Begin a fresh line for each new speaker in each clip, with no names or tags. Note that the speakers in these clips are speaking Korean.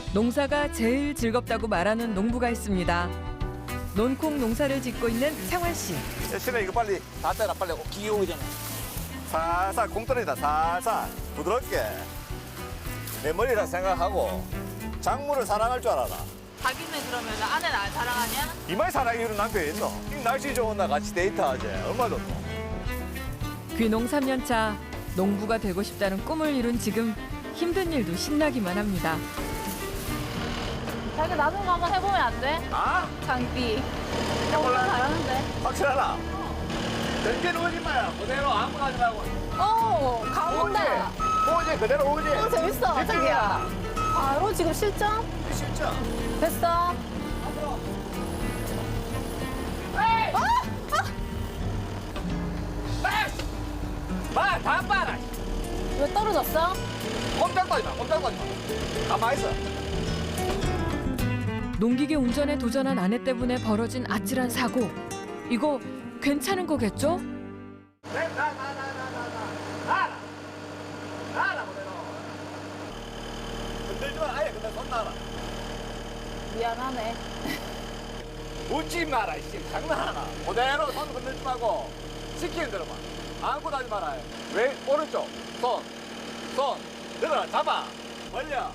농사가 제일 즐겁다고 말하는 농부가 있습니다. 논콩 농사를 짓고 있는 창환 씨.
신혜 이거 빨리 다 떼라 빨리 기계 오잖아. 살살 공떨어지다 살살 부드럽게 내 머리라 생각하고 작물을 사랑할 줄 알아라.
자기는 그러면 아내는 안 사랑하냐?
이마에 사랑이 이런 남편이 있노? 이 날씨 좋은 날 같이 데이트하지 얼마 좋노?
귀농 3년 차 농부가 되고 싶다는 꿈을 이룬 지금 힘든 일도 신나기만 합니다.
자기 나중에 한번 해보면 안 돼?
아?
장비.
해볼래?
잘하는데.
확실하나? 전개는 오지 마요. 그대로 아무나 하지 말고.
가온다.
오지 그대로 오지.
재밌어, 자기야. 바로 지금 실전?
진짜.
됐어.
다 빨아.
왜 떨어졌어?
꼼짝도 하지 마. 꼼짝도 하지 마. 가만히 있어.
농기계 운전에 도전한 아내 때문에 벌어진 아찔한 사고. 이거 괜찮은 거겠죠?
나라 그대로. 흔들지 마. 아예 그냥 손 놔라.
미안하네.
웃지 마라. 이씨 장난하나. 그대로 손 흔들지 말고 시키는 대로만. 아무것도 하지 마라. 왜 오른쪽 손 들어라 잡아 벌려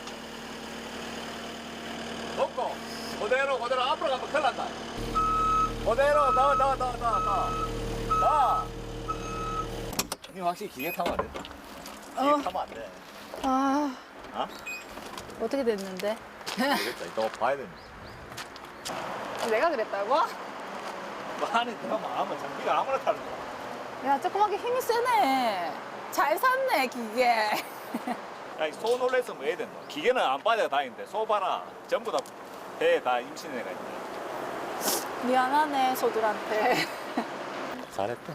놓고 그대로 앞으로 가면 큰일 난다. 그대로 나 이 확실히 기계 타면 안 돼. 기계 타면 안 돼.
아,
어?
어떻게 됐는데?
모르겠다. 이따 봐야 됩니다.
내가 그랬다고?
많이 타면 아무 장비가 아무나 타는 거야.
야, 조그맣게 힘이 세네. 잘 샀네, 기계.
야, 소 놀랬으면 뭐 해야 된다. 기계는 안 빠져 다니는데 소 봐라. 전부 다 배에 다 임신한 애가 있네.
미안하네, 소들한테.
잘했다.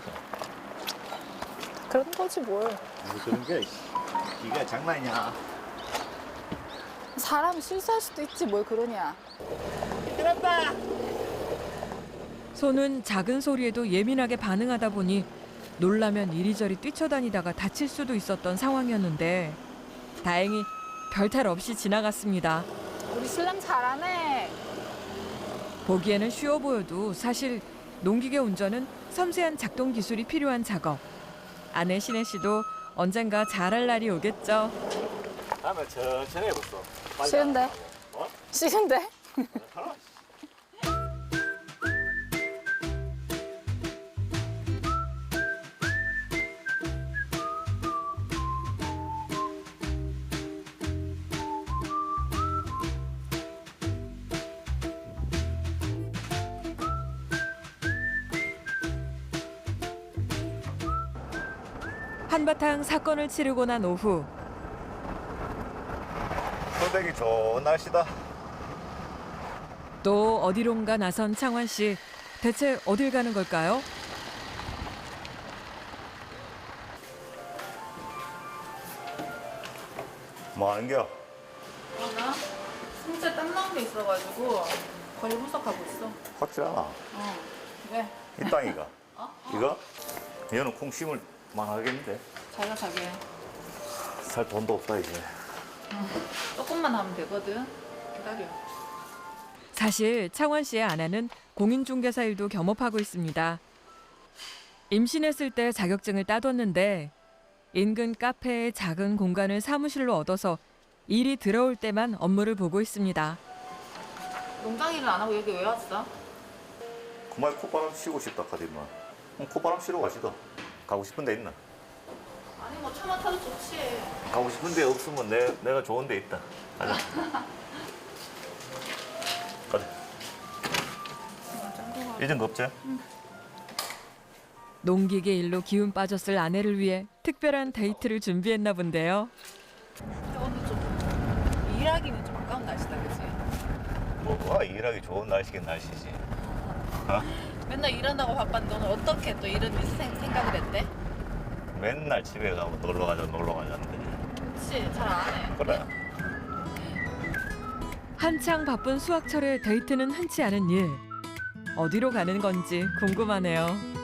그런 거지, 뭘.
그런 게 기계가 장난이냐.
사람이 실수할 수도 있지, 뭘 그러냐.
들었다.
소는 작은 소리에도 예민하게 반응하다 보니 놀라면 이리저리 뛰쳐다니다가 다칠 수도 있었던 상황이었는데 다행히 별탈 없이 지나갔습니다.
우리 신랑 잘하네.
보기에는 쉬워 보여도 사실 농기계 운전은 섬세한 작동 기술이 필요한 작업. 아내 신혜 씨도 언젠가 잘할 날이 오겠죠.
다음에 천천히 해봤어. 빨리
싫은데?
안 하고. 어?
싫은데?
괜찮아.
한바탕 사건을 치르고 난 오후
소백이 좋은 날씨다.
또 어디론가 나선 창환 씨. 대체 어딜 가는 걸까요?
뭐 하는겨?
나 진짜 땀 나는 게 있어가지고 거의 분석하고 있어.
확실하나?
왜?
이 땅이가.
어?
이거? 얘는 콩 심을 만하겠는데.
자기가 자기
살 돈도 없다 이제.
조금만 하면 되거든. 기다려.
사실 창원 씨의 아내는 공인중개사 일도 겸업하고 있습니다. 임신했을 때 자격증을 따뒀는데 인근 카페의 작은 공간을 사무실로 얻어서 일이 들어올 때만 업무를 보고 있습니다.
농장 일을 안 하고 여기 왜 왔어?
그만 콧바람 쉬고 싶다 카디만. 콧바람 쉬러 가시다. 가고 싶은 데 있나?
아니 뭐 차만 타도 좋지.
가고 싶은 데 없으면 내가 좋은 데 있다. 가자. 가자. 이젠 겁제?
농기계 일로 기운 빠졌을 아내를 위해 특별한 데이트를 준비했나 본데요.
근데 오늘 좀 일하기는 좀 아까운 날씨다, 그치?
뭐가 일하기 좋은 날씨긴 날씨지. 어?
맨날 일한다고 바빴는데 오늘 어떻게 또 이런 생각을 했대?
맨날 집에 가면 놀러 가자는데.
그치, 잘 안 해.
그래.
한창 바쁜 수학철에 데이트는 흔치 않은 일. 어디로 가는 건지 궁금하네요.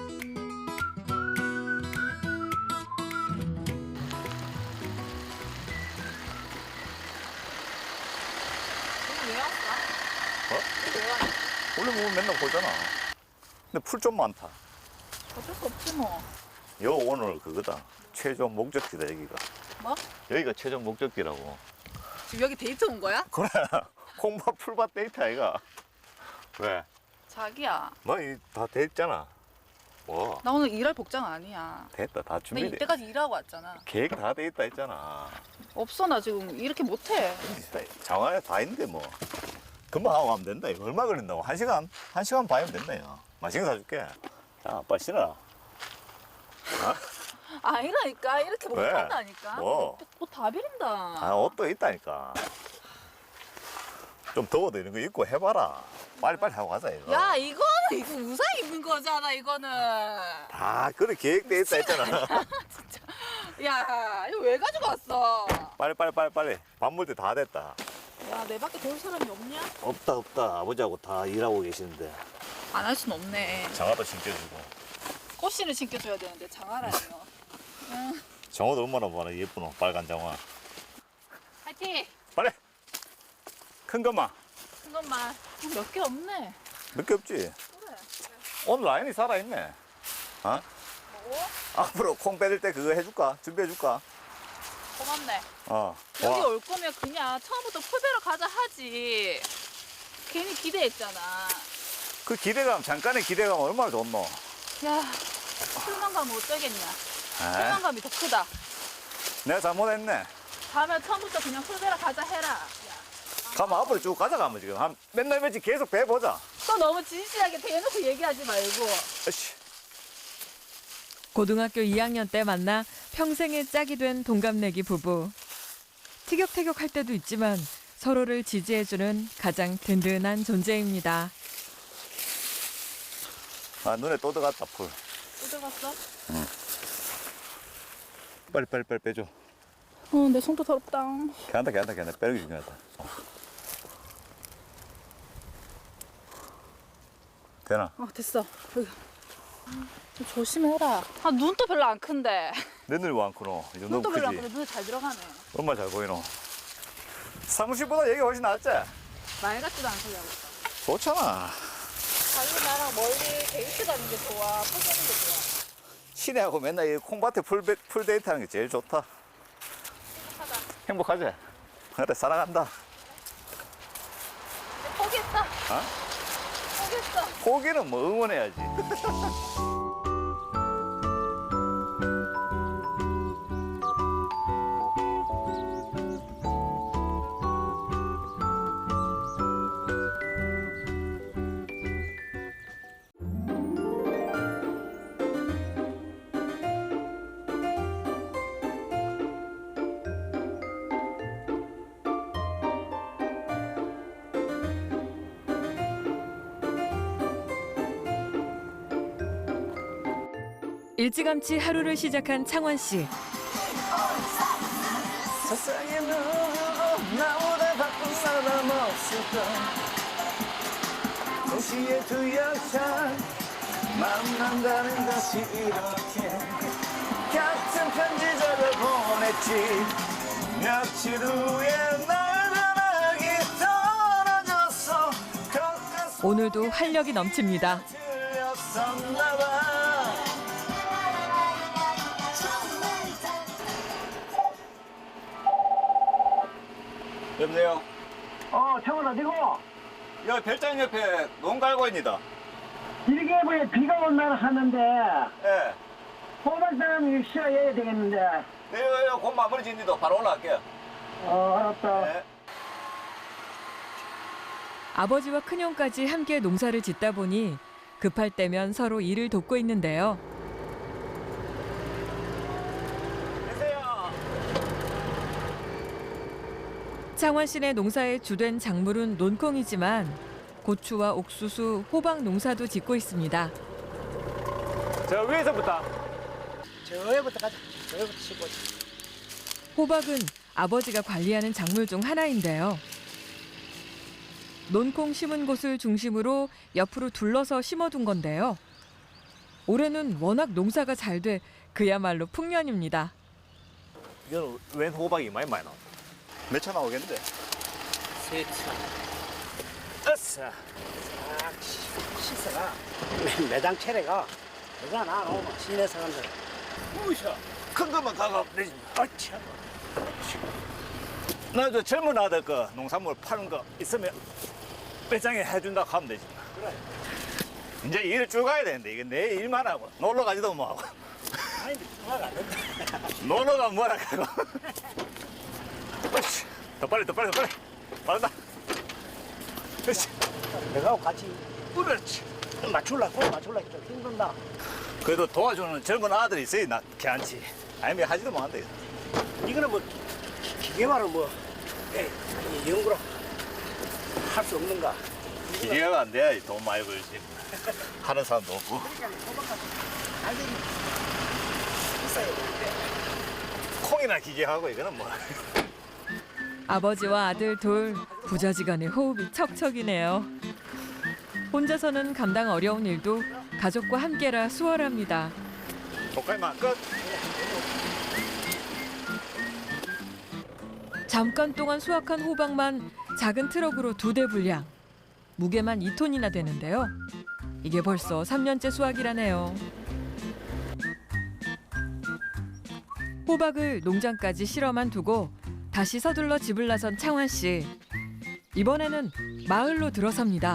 왜 왔어?
어?
왜 왔어?
원래 보면 맨날 보잖아. 근데 풀 좀 많다.
어쩔 수 없지 뭐.
여 오늘 그거다. 최종 목적지다 여기가.
뭐?
여기가 최종 목적지라고.
지금 여기 데이트 온 거야?
그래. 콩밭 풀밭 데이트 아이가. 왜?
자기야.
너 다 됐잖아. 뭐?
나 오늘 일할 복장 아니야.
됐다. 다
나
준비돼.
이때까지 일하고 왔잖아.
계획 다 돼 있다 했잖아.
없어 나 지금 이렇게 못해.
장안에 다 있는데 뭐. 금방 하고 가면 된다. 이거 얼마 걸린다고? 1시간? 1시간 반이면 된다. 야. 맛있는 거 사줄게. 자, 빨리 신어라.
아니라니까 이렇게
왜?
못한다니까.
뭐?
옷 다 비린다.
아, 옷도 있다니까. 좀 더워도 이런 거 입고 해봐라. 빨리빨리 하고 가자, 이거.
야 이거 우산 입는 거잖아 이거는.
다 그래 계획돼 있다 했잖아.
야 이거 왜 가지고 왔어?
빨리. 밥 먹을 때 다 됐다.
야 내 밖에 도울 사람이 없냐?
없다. 아버지하고 다 일하고 계시는데.
안 할 순 없네.
장화도 신겨주고.
꽃씨를 신겨줘야 되는데 장화라니요. 응.
장화도 얼마나 많아 예쁘노. 빨간 장화.
파이팅.
빨리. 큰 것만.
큰 것만 몇 개 없네.
몇 개 없지.
그래.
오늘 라인이 살아있네. 어?
뭐?
앞으로 콩 빼들 때 그거 해줄까? 준비해줄까?
고맙네.
어.
여기
와.
올 거면 그냥 처음부터 풀베러 가자 하지. 괜히 기대했잖아.
그 기대감, 잠깐의 기대감 얼마나 좋노?
야, 풀만 가면 어쩌겠냐.
에이,
풀만 감이 더 크다.
내가 잘못했네.
다음에 처음부터 그냥 풀베러 가자 해라. 야,
가면 앞으로 쭉 가자가면 지금 한 맨날 며칠 계속 배보자.
또 너무 진실하게 대놓고 얘기하지 말고.
으씨.
고등학교 2학년 때 만나 평생의 짝이 된 동갑내기 부부. 티격태격할 때도 있지만 서로를 지지해주는 가장 든든한 존재입니다.
아, 눈에 또 들어갔다, 풀.
또 들어갔어?
빨리 빼줘.
내 손도 더럽다.
괜찮다. 빼기 중요하다. 되나?
됐어. 여기. 좀 조심해라. 눈도 별로 안 큰데.
내 눈이 왜 안 크노? 이 정도
눈도 별로 안
크지?
큰데 눈에 잘 들어가네.
얼마나 잘 보이노? 사무실보다 여기 훨씬 낫지?
말 같지도 않게 하고 있어.
좋잖아.
자기 나랑 멀리 데이트 가는 게 좋아. 풀 가는 게 좋아.
시내하고 맨날 이 콩밭에 풀 데이트 하는 게 제일 좋다.
행복하다.
행복하지? 그래, 사랑한다.
이제 포기했다.
어?
포기했어.
포기는 뭐 응원해야지.
일찌감치 하루를 시작한 창원 씨.
세상에 누구 나보다 바쁜 사람 없을까. 도시의 두 여자 만난다는 것이 이렇게 같은 편지 적어 보냈지. 며칠 후에 날 전화기 떨어졌어.
오늘도 활력이 넘칩니다.
틀렸었나 봐. 여보세요?
창원 어디고?
여기 별장 옆에 농갈고입니다.
이렇게 뭐 비가 온날 하는데
예.
호박사람 쉬어야 되겠는데.
네, 곧 마무리 짓는데 바로 올라갈게요.
알았다.
네.
아버지와 큰형까지 함께 농사를 짓다 보니 급할 때면 서로 일을 돕고 있는데요.
계세요.
창원 시내 농사의 주된 작물은 논콩이지만 고추와 옥수수, 호박 농사도 짓고 있습니다.
저 위에서부터.
저기부터 가자. 저기부터 치고.
호박은 아버지가 관리하는 작물 중 하나인데요. 논콩 심은 곳을 중심으로 옆으로 둘러서 심어둔 건데요. 올해는 워낙 농사가 잘 돼 그야말로 풍년입니다.
이건 웬 호박이 많이 나와. 몇 차 나오겠는데?
3차. 어싸. 싹 씻어가. 매장 체례가 되잖아. 시내 사람들.
무셔. 큰 것만 가가 되지.
어차.
나저 젊은 아들 거 농산물 파는 거 있으면 배짱에 해준다 하면 되지.
그래.
이제 일을 쭉 가야 되는데 이게 내 일만 하고 놀러 가지도 못하고
아니, 누가가 안 된다.
놀러 가면 뭐라 하고. 어이씨, 더 빨리 빠르다. 그렇지.
내가 같이
그렇지.
맞출라고 좀 힘든다.
그래도 도와주는 젊은 아들이 있어야 나 괜찮지. 아니면 하지도 못한대.
이거는 뭐 기계만은 뭐 이 연구로 할 수 없는가?
기계가 안 돼야 돈 많이 벌지. 하는 사람도 없고.
완전히 있어야 되는데.
콩이나 기계하고 이거는 뭐.
아버지와 아들 둘 부자지간의 호흡이 척척이네요. 혼자서는 감당 어려운 일도 가족과 함께라 수월합니다.
독갈만 끝.
잠깐 동안 수확한 호박만 작은 트럭으로 2대 분량. 무게만 2톤이나 되는데요. 이게 벌써 3년째 수확이라네요. 호박을 농장까지 실어만 두고 다시 서둘러 집을 나선 창환 씨. 이번에는 마을로 들어섭니다.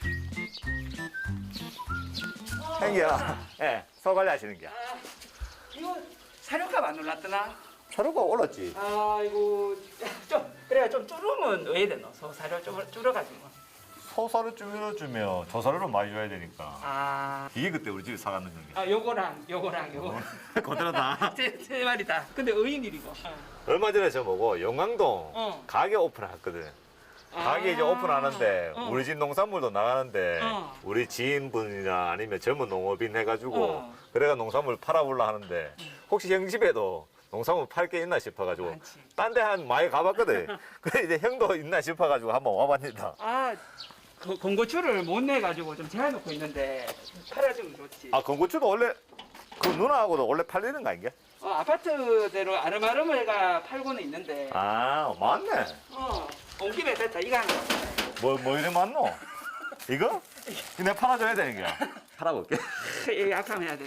행기야. 예, 소관리 하시는 게.
이거 사료값 안 올랐더나?
차로가 올랐지.
아이고 좀 그래야 좀 줄으면 왜 되노? 사료 좀 줄어가지고.
소사를 줄여주면 조사료를 많이 줘야 되니까.
아,
이게 그때 우리 집에 사갔는 게.
요거랑
그대로 다.
세 마리 다. 근데 의인일이고.
얼마 전에 저 뭐고 영광동
어.
가게 오픈했거든. 가게 이제 오픈하는데
어.
우리 집 농산물도 나가는데
어.
우리 지인분이나 아니면 젊은 농업인 해가지고
어.
그래가 농산물 팔아보려 하는데 혹시 형 집에도 농산물 팔 게 있나 싶어가지고
많지.
딴 데 한 많이 가봤거든. 그래 이제 형도 있나 싶어가지고 한번 와봤니다.
아, 그 공고추를 못 내가지고 좀 재워놓고 있는데 팔아주면 좋지.
아 건고추도 원래 그 누나하고도 원래 팔리는 거 아닌가?
아파트대로 아름아름해가 팔고는 있는데.
아 맞네.
온 김에 됐다. 이거 하나.
뭐 이래 맞노? 이거? 이거 내가 팔아줘야 되는 거야. 팔아볼게.
이거 약하면 해야 되네.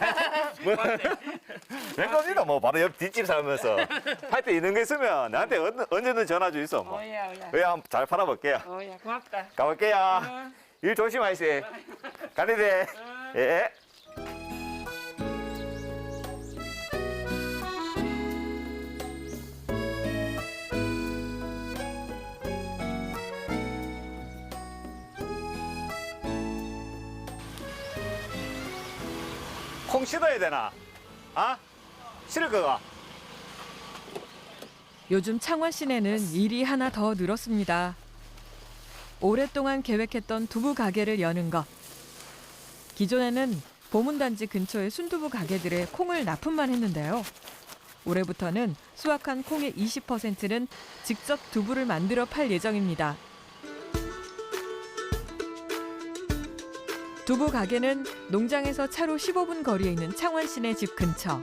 내 겁니다. 뭐 바로 옆 뒷집 살면서 할 때 이런 거 있으면 나한테 언제든 전화 주 있어. 뭐.
오야.
왜 한번 잘 팔아볼게요.
오야, 고맙다.
가볼게요.
응.
일 조심하시오. 가리대. 예. 콩 씻어야 되나? 아? 실을 거가?
요즘 창원 시내는 일이 하나 더 늘었습니다. 오랫동안 계획했던 두부 가게를 여는 것. 기존에는 보문단지 근처의 순두부 가게들에 콩을 납품만 했는데요. 올해부터는 수확한 콩의 20%는 직접 두부를 만들어 팔 예정입니다. 두부 가게는 농장에서 차로 15분 거리에 있는 창원 시내 집 근처.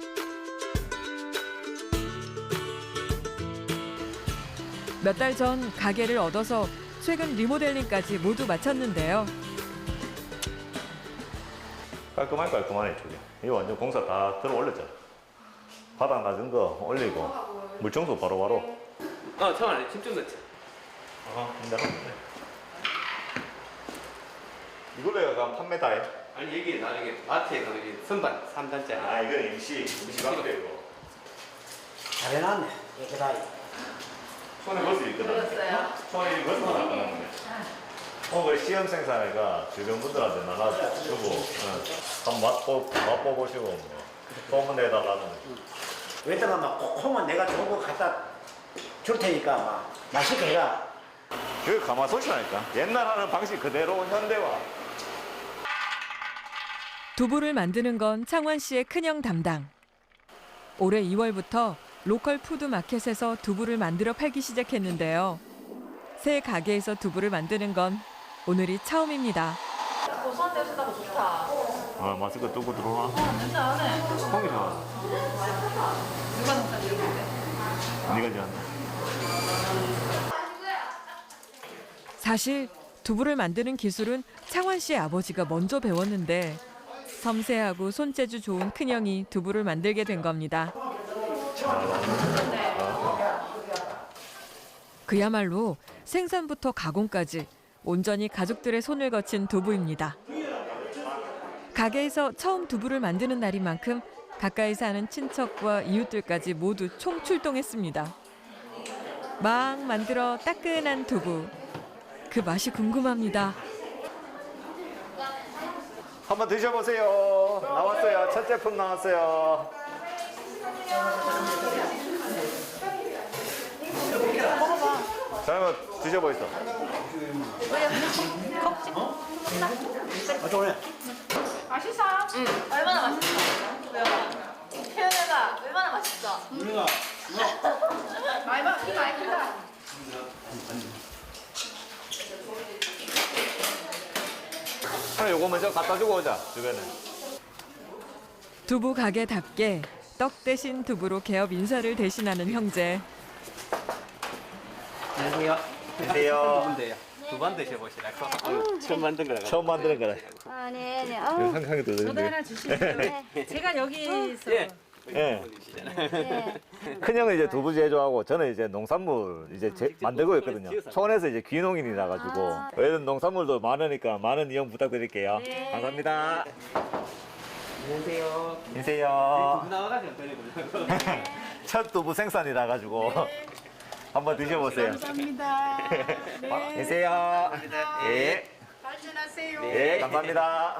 몇 달 전 가게를 얻어서 최근 리모델링까지 모두 마쳤는데요.
깔끔하네 저기. 이거 완전 공사 다 들어 올렸잖아. 바닥 낮은 거 올리고 물 청소 바로바로.
잠깐만, 집중 넣자.
힘들어. 이걸로 해가 판매다 해.
아니, 여기 나중에 마트에 가면 여기 선반 3단짜리.
아 이건 임시 방대고.
잘 해놨네. 깨끗하게.
손에 벌 수 있거든. 손에 벌써 나가는데. 오늘 시험 생산회가 주변 분들한테 나눠주고 한번 맛보시고 뭐 소문 내달라는 거.
왜냐면 막 콩은 내가 좋은 거 갖다 줄 테니까 막 맛있게 해라.
그게 가마솥이라니까. 옛날 하는 방식 그대로 현대화.
두부를 만드는 건 창원 씨의 큰형 담당. 올해 2월부터 로컬 푸드 마켓에서 두부를 만들어 팔기 시작했는데요. 새 가게에서 두부를 만드는 건 오늘이 처음입니다.
고소한 냄새 나고 좋다.
아 마스크 뜨고 들어와.
냄새 안 해.
콩이 좋아.
누가 농사 지은 건데?
네가 좋아한다.
사실 두부를 만드는 기술은 창원 씨의 아버지가 먼저 배웠는데 섬세하고 손재주 좋은 큰형이 두부를 만들게 된 겁니다. 그야말로 생산부터 가공까지 온전히 가족들의 손을 거친 두부입니다. 가게에서 처음 두부를 만드는 날인 만큼 가까이 사는 친척과 이웃들까지 모두 총출동했습니다. 막 만들어 따끈한 두부. 그 맛이 궁금합니다.
한번 드셔보세요. 나왔어요. 첫 제품 나왔어요. 자, 한번 드셔보이소.
어쩌네.
맛있어? 응. 얼마나 맛있어? 태연이가 얼마나 맛있어?
우리가
키 많이 크다.
요거 먼저 갖다 주고 오자, 주변에.
두부 가게답게 떡 대신 두부로 개업 인사를 대신하는 형제.
안녕하세요.
안녕하세요.
누군데요? 두 번 드셔보시라고. 처음 만든 거라고.
처음 만드는 거라.
아, 네, 네.
상상이 들리는데.
주시죠. 제가 여기서
예.
예.
네.
큰형은 이제 두부 제조하고 저는 이제 농산물 이제 만들고 있거든요.
지어서.
촌에서 이제 귀농인이라 가지고 왜냐면 농산물도 많으니까 많은 이용 부탁드릴게요. 감사합니다.
안녕하세요.
안녕하세요.
두부 나와가지고 드리고.
첫 두부 생산이라 가지고 한번 드셔보세요.
감사합니다.
안녕하세요. 예.
발전하세요.
예, 감사합니다.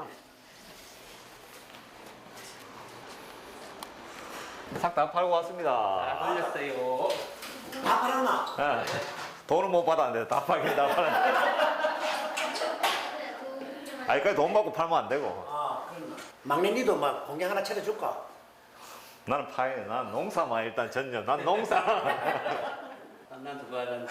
싹 다 팔고 왔습니다.
걸렸어요.
다 팔았나?
예. 돈은 못 받았는데 다 팔긴 다 팔았는데. 아직까지 돈 받고 팔면 안 되고.
막내니도 막 공장 하나 차려줄까?
나는 파이네. 난 농사만 일단 전념. 난 농사.
난 두부 하는.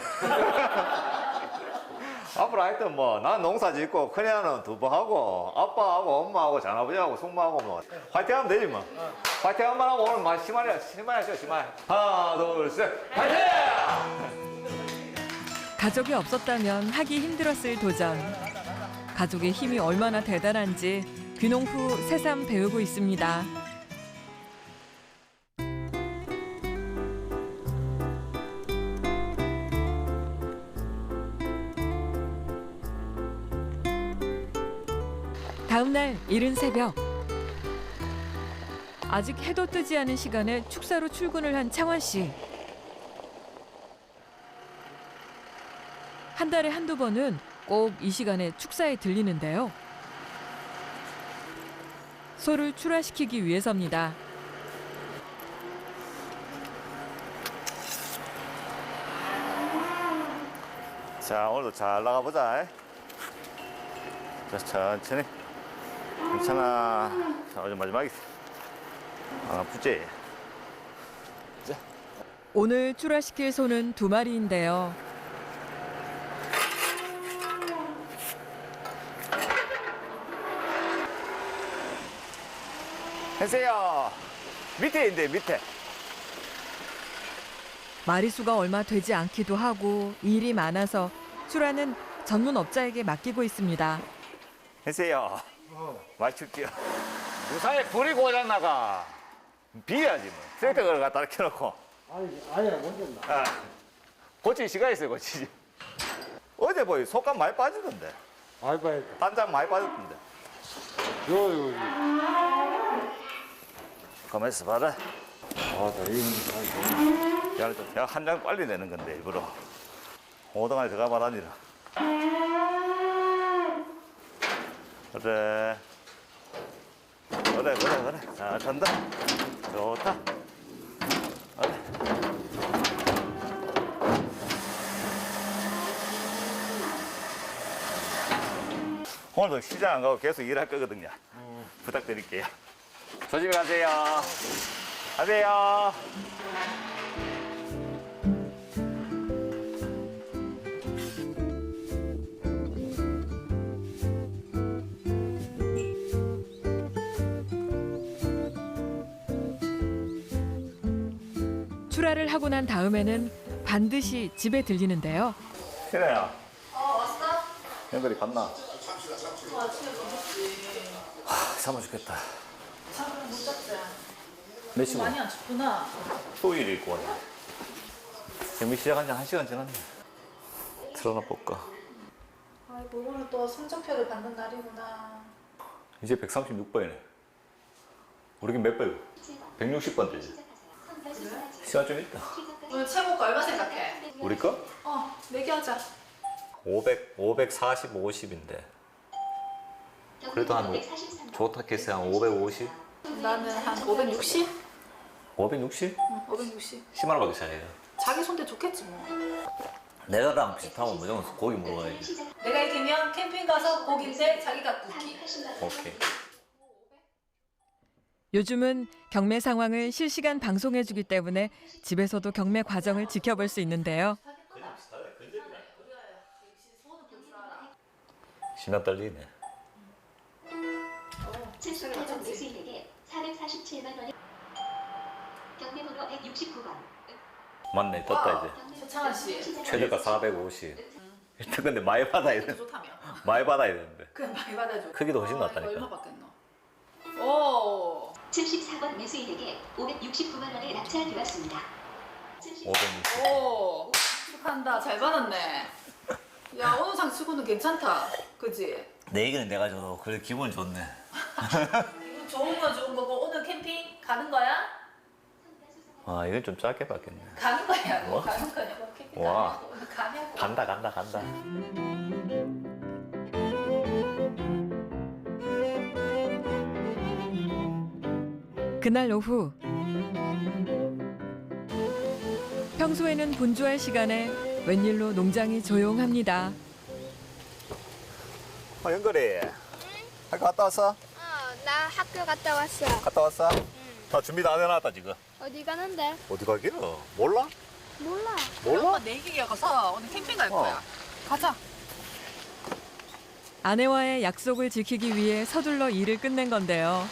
앞으로 하여튼 뭐, 난 농사 짓고, 큰애는 두부하고, 아빠하고, 엄마하고, 장아버지하고, 숙모하고, 뭐, 화이팅 하면 되지 뭐. 화이팅 한번 하고, 오늘 막 심하게 하시죠, 심하게. 하나, 둘, 셋, 화이팅!
가족이 없었다면 하기 힘들었을 도전. 가족의 힘이 얼마나 대단한지 귀농 후 새삼 배우고 있습니다. 다음 날 이른 새벽. 아직 해도 뜨지 않은 시간에 축사로 출근을 한 창원 씨. 한 달에 한두 번은 꼭 이 시간에 축사에 들리는데요. 소를 출하시키기 위해서입니다.
자, 오늘도 잘 나가보자. 자, 천천히. 괜찮아. 자, 어제 마지막에. 안 아프지?
오늘 출하시킬 소는 2마리인데요.
해세요. 밑에 있는데, 밑에.
마리수가 얼마 되지 않기도 하고 일이 많아서 출하는 전문 업자에게 맡기고 있습니다.
해세요. 많이 춥지요. 무사히 불이 고장나가. 비야지 뭐. 트랙터를 갖다 켜놓고.
아니, 먼저 나.
아, 고칠 시간 있어요, 고치지. 어제 뭐 속감 많이 빠지던데.
많이 봐야 돼.
단장 많이 빠졌던데.
요.
가만히 있어봐라.
아, 나 이거
야, 한 장 빨리 내는 건데, 일부러. 오동안에 들어가 말하니라. 그래. 그래. 잘 탄다. 좋다. 그래. 오늘도 시장 안 가고 계속 일할 거거든요. 부탁드릴게요. 조심히 가세요. 가세요.
출하를 하고 난 다음에는 반드시 집에 들리는데요.
신혜야.
왔어?
형들이 갔나?
아, 아침에 부럽지.
잠아 죽겠다.
잠을 못 잤지.
몇 시고?
많이 안 춥구나.
토요일일 거 같아. 경기 시작한 지 1시간 지났네. 틀어놔 볼까?
아이고, 오늘 또 성적표를 받는 날이구나.
이제 136번이네. 우리긴 몇 번이고? 160번 되지. 시간 좀 있다.
오늘 최고가 얼마 생각해?
우리 거?
내기하자.
540, 50인데. 그래도 한 좋다 캐스 한 550?
나는 한 560?
560?
응, 560.
10만 원밖에 차이야.
자기 손대 좋겠지 뭐.
내가랑 비슷하면 무조건 고기 먹어야지.
내가 이기면 캠핑 가서 고기인데 자기가 굽기.
오케이.
요즘은 경매 상황을 실시간 방송해주기 때문에 집에서도 경매 과정을 지켜볼 수 있는데요.
심장 떨리네.
70번 매수인에게 447만 원이 경매번호 169번.
맞네, 떴다 이제.
최창환 씨.
최저가 450. 일단 근데 많이 받아야 돼.
좋다며.
많이 받아야 되는데.
그냥 많이 받아줘.
크기도 훨씬
이거
낫다니까.
얼마 받겠노? 오.
74번 매수인에게 569만 원이 낙찰되었습니다.
560.
오. 축하한다. 잘 받았네. 야, 오늘 상치고는 괜찮다. 그지?
내 얘기는 내가 줘도 그래 기분 좋네.
이거 좋은 거 좋은 거고 오늘 캠핑 가는 거야?
아 이건 좀 짧게 받겠네.
가는 거야.
뭐?
가는 거냐고 캠핑
와.
가냐고 오늘 가냐고.
간다.
그날 오후 평소에는 분주할 시간에 웬일로 농장이 조용합니다.
연결이. 학교 갔다 왔어?
나 학교 갔다 왔어.
갔다 왔어? 다 준비 다 해놨다 지금.
어디 가는데?
어디 가기는? 몰라?
몰라.
엄마 내기가 가서 오늘 캠핑 갈 거야. 가자.
아내와의 약속을 지키기 위해 서둘러 일을 끝낸 건데요.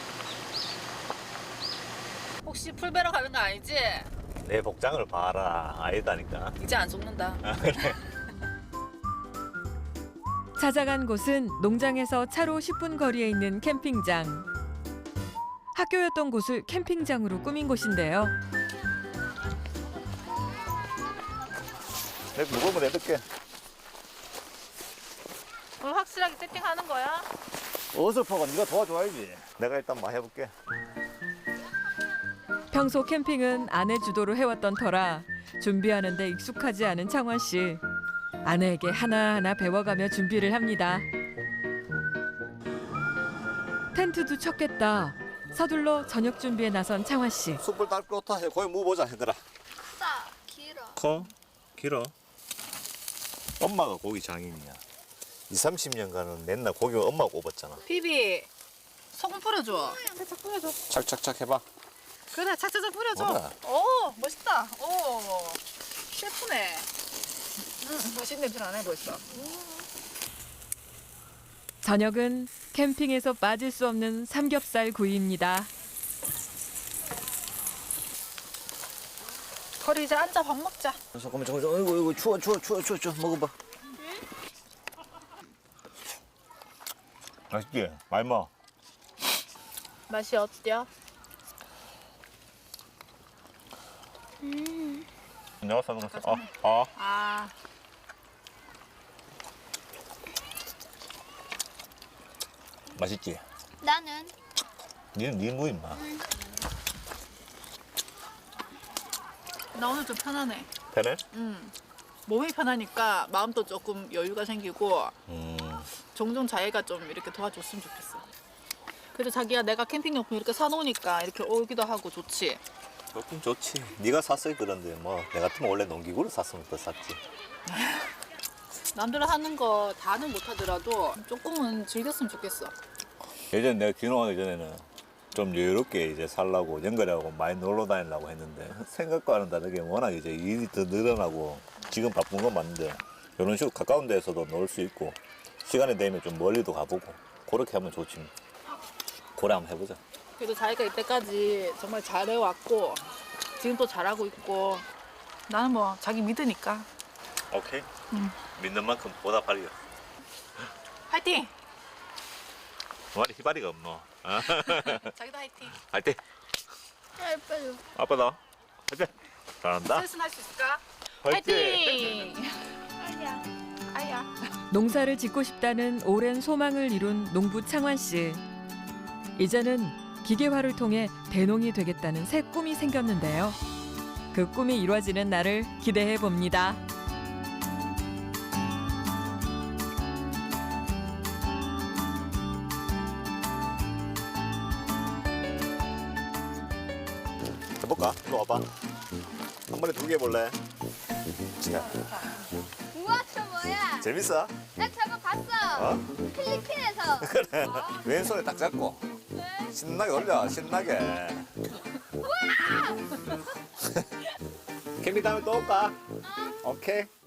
혹시 풀 베러 가는 거 아니지?
내 복장을 봐라. 아니다니까.
이제 안 속는다.
그래.
찾아간 곳은 농장에서 차로 10분 거리에 있는 캠핑장. 학교였던 곳을 캠핑장으로 꾸민 곳인데요.
내 무거우면 내둘게.
오늘 확실하게 세팅하는 거야?
어설퍼가 네가 도와줘야지. 내가 일단 막 해볼게.
평소 캠핑은 아내 주도로 해왔던 터라 준비하는 데 익숙하지 않은 창원 씨. 아내에게 하나하나 배워가며 준비를 합니다. 텐트도 쳤겠다. 서둘러 저녁 준비에 나선 창원 씨.
숯불 딸 것부터 해. 거기 묵어보자 얘들아.
크다. 길어.
커? 길어? 엄마가 고기 장인이야. 20-30년간은 맨날 고기 엄마가 굽었잖아.
비비 소금 뿌려줘. 착착 뿌려줘.
착착착 해봐.
그래 착착착 뿌려줘.
뭐라?
오 멋있다. 오 셰프네. 맛있는 냄새 나네 벌써.
저녁은 캠핑에서 빠질 수 없는 삼겹살 구이입니다.
거리 이제 앉아 밥 먹자.
잠깐만. 이거 추워. 먹어봐. 맛있지? 많이 먹어.
맛이 어때요?
내가 사는 거
아
맛있지?
나는
니는 뭐 임마.
나 오늘 좀 편하네.
편해?
몸이 편하니까 마음도 조금 여유가 생기고
음.
종종 자기가 좀 이렇게 도와줬으면 좋겠어. 그래도 자기야 내가 캠핑용품 이렇게 사놓으니까 이렇게 오기도 하고 좋지.
좋긴 좋지. 네가 샀어야 그런데 뭐 내 같으면 원래 농기구를 샀으면 더 샀지.
남들 하는 거 다는 못하더라도 조금은 즐겼으면 좋겠어.
예전에 내가 귀농하기 전에는 좀 여유롭게 이제 살라고 연결하고 많이 놀러 다니려고 했는데 생각과는 다르게 워낙 이제 일이 더 늘어나고 지금 바쁜 건 맞는데 이런 식으로 가까운 데에서도 놀 수 있고 시간이 되면 좀 멀리도 가보고 그렇게 하면 좋지. 그래 한번 해보자.
그래도 자기가 이때까지 정말 잘해왔고 지금 또 잘하고 있고 나는 뭐 자기 믿으니까.
오케이. 믿는 만큼 보답하려.
화이팅!
머리 희바리가 없노. 어?
자기도 화이팅!
할때
예뻐요.
아빠다. 할때 잘한다.
센스는 할 수 있을까?
화이팅!
화이팅!
아니야.
아야.
농사를 짓고 싶다는 오랜 소망을 이룬 농부 창환 씨. 이제는 기계화를 통해 대농이 되겠다는 새 꿈이 생겼는데요. 그 꿈이 이루어지는 날을 기대해 봅니다.
해볼까? 이리 와봐. 한 번에 2개 해볼래?
우와, 저 뭐야?
재밌어?
나 저거 봤어. 필리핀에서.
그래. 왼손에 딱 잡고 신나게 올려. 신나게. 캠핑 다음에 또 올까? 오케이.